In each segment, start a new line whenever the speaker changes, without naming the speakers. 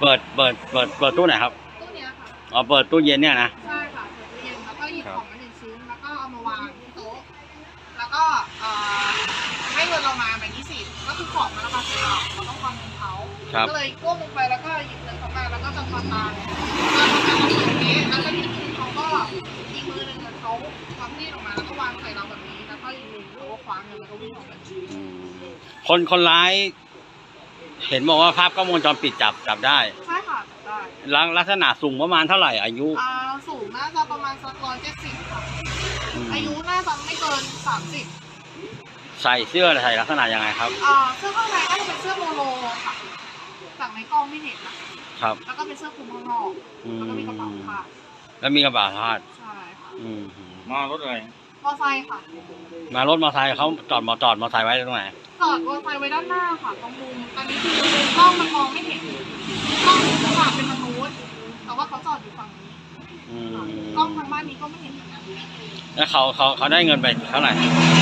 เปิดตู้ไหนครับ
ตู้เนี้ยค่ะ
อ๋อเปิดตู้เย็นเนี่ยนะ
ใช่ค่ะเปิดตู้เย็นแล้วก็หยิบของมา1 ชิ้นแล้วก็เอามาวางที่โต๊ะแล้วก็ให้เงินเรามาแบบ20ก็คือของมันราคา10 บาทเราต้องทอนเงินเขาก็เลยก้มลงไปแล้วก็หยิบเงินเขามาแล้วก็จะทอนตามแบบนี้แล้วก็ที่มือเขาก็อีกมือหนึ่งเขาทำมีดออกมาแล้วก็วางใส่เราแบบนี้แล้วก็อีกมือเขาก็คว้าเงินแล้วก็วิ่งออกไป
คนร้ายเห็นบอกว่าภาพกล้องวงจรปิดจับได้
ใช่ค่ะจับได้
ลักษณะสูงประมาณเท่าไหร่อายุ
สูงน่าจะประมาณสัก170ค่ะอายุน่าจะไม่เกิน30
ใส่เสื้อใส่ลักษณะยังไงครับ
เสื้อข้างในก็จะเป็นเสื้อโมโลค่ะจากในกล้องไม่เห็นนะครับแล้วก็เป็นเสื้อคลุมข้างนอกแล้วก็มีกระเป๋าผ้า
แล้วมีกระเป๋าผ้า
ใช่ค่ะ
มารถอะไร
มอไซค์ค่ะ
มารถมอไซค์เขาจอดมอไซค์ไว้ตรงไหน
จอดมอไซค์ไว้ด้านหน้าค่ะตรงมุมตอนนี้คือกล้องมันมองไม่เห็นกล้องจะฝากเป็นมนุษย์แต่ว่าเขาจอดอยู่ฝั่งนี้กล้องทางบ้านนี้ก็ไม่เห็นเหมือนกัน
แล้วเขาได้เงินไปเท่าไหร่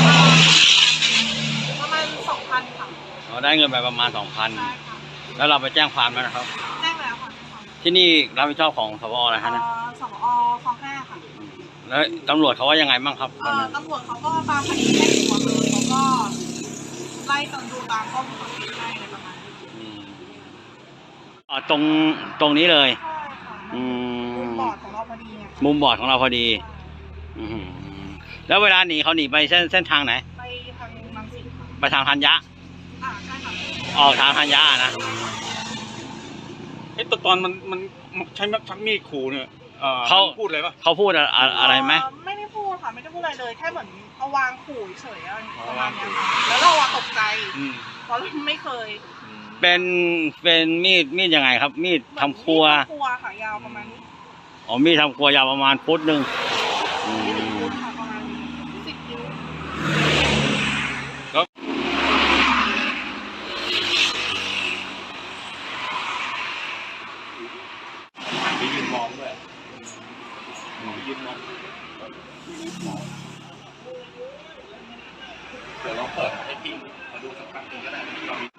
ประมาณ2,000ค่ะ
เขาได้เงินไปประมาณ2,000แล้วเราไปแจ้งความแล้วนะครับ
แจ้งแล้วค่ะ
ที่นี่รับผิดชอบของสปออะไรครับ
สปอคลอง5ค่ะ
แล้วตำรวจเขาว่ายังไงบ้างครับ
ตำรวจเขาก็ตามคดีให้หัวเลยเขาก็ไล่ดูตามข้อมูลของที่ให้อะไรประมาณ
นี้ตรงนี้เลย
ใช่ค่ะมุมบอดของเราพอดี
มุมบอดของเราพอดีแล้วเวลาหนีเขาหนีไปเส้นทางไหน
ไปทางรังสิต
ไปทางธัญญะ
ใช่ค่ะ
ออกทางธัญญะนะ
ตอนมันใช้ชักมีดขู่เนี่ยเขาพูดอะไรปะ
เขาพูดอะไรไหม
ไม่ได้พูดค่ะไม่ได้พูดอะไรเลยแค่เหมือนเอาวางขู่เฉยประมาณนี้ค่ะแล้วเราตกใจเพราะเราไม่เคย
เป็นมีดยังไงครับมีดทำครัว
ค่ะยาวประมาณนี้
มีดทำครัวยาวประมาณฟุตนึง
ฟุตค่ะประมาณ10 นิ้ว
ไปยืนมองด้วยยืนมองเดี๋ยวลองเปิดให้พี่มาดูสักครั้งนึงก็ได้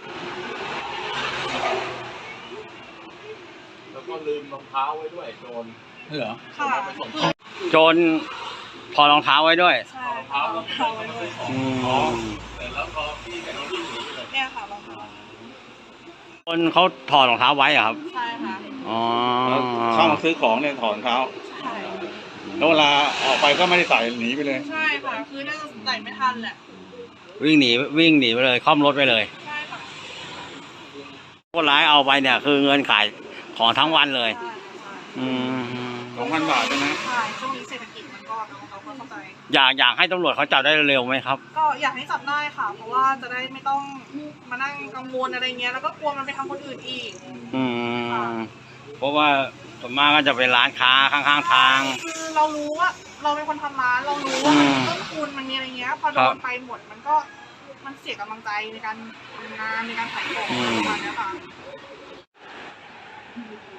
แล้วก็ลืมรองเท้าไว้ด้วยโจร
เหรอ
ค่ะ
โจรพอรองเท้าไว้ด้วย
ใช่รองเท้าไว้ด้วย
แล้วพอพี่กับน้องพี่หนีไปเลย
เนี่ยค่ะรองเท้า
คนเขาถอดรองเท้าไว้อะครับ
ใช่ค่ะ
เข้ามาซื้อของเนี่ยถอดรองเท้า
ใช่
แล้วเวลาออกไปก็ไม่ได้ใส่หนีไปเลย
ใช่ค่ะคือน่าจะใส่ไม่ทันแหละ
วิ่งหนีไปเลยค่อมรถไปเลย
ใช่ค่ะ
คนร้ายเอาไปเนี่ยคือเงินขายของทั้งวันเลย
2,000 บาทใช่ไหม
ใช่ช่วงนี้เศรษฐกิจมันก็เขาเข้าใจ
อยากให้ตำรวจเขาจับได้เร็วไหมครับ
ก็อยากให้จับได้ค่ะเพราะว่าจะได้ไม่ต้องมานั่งกังวลอะไรเงี้ยแล้วก็กลัวมันไปทำคนอื่นอีก
เพราะว่าส่วนมากก็จะเป็นร้านค้าข้างๆทาง
คือเรารู้ว่าเราเป็นคนทำร้านเรารู้ว่าต้นทุนมันมีอะไรเงี้ยพอโดนไปหมดมันเสียกำลังใจในการทำงานในการขายของประมาณนี้ค่ะ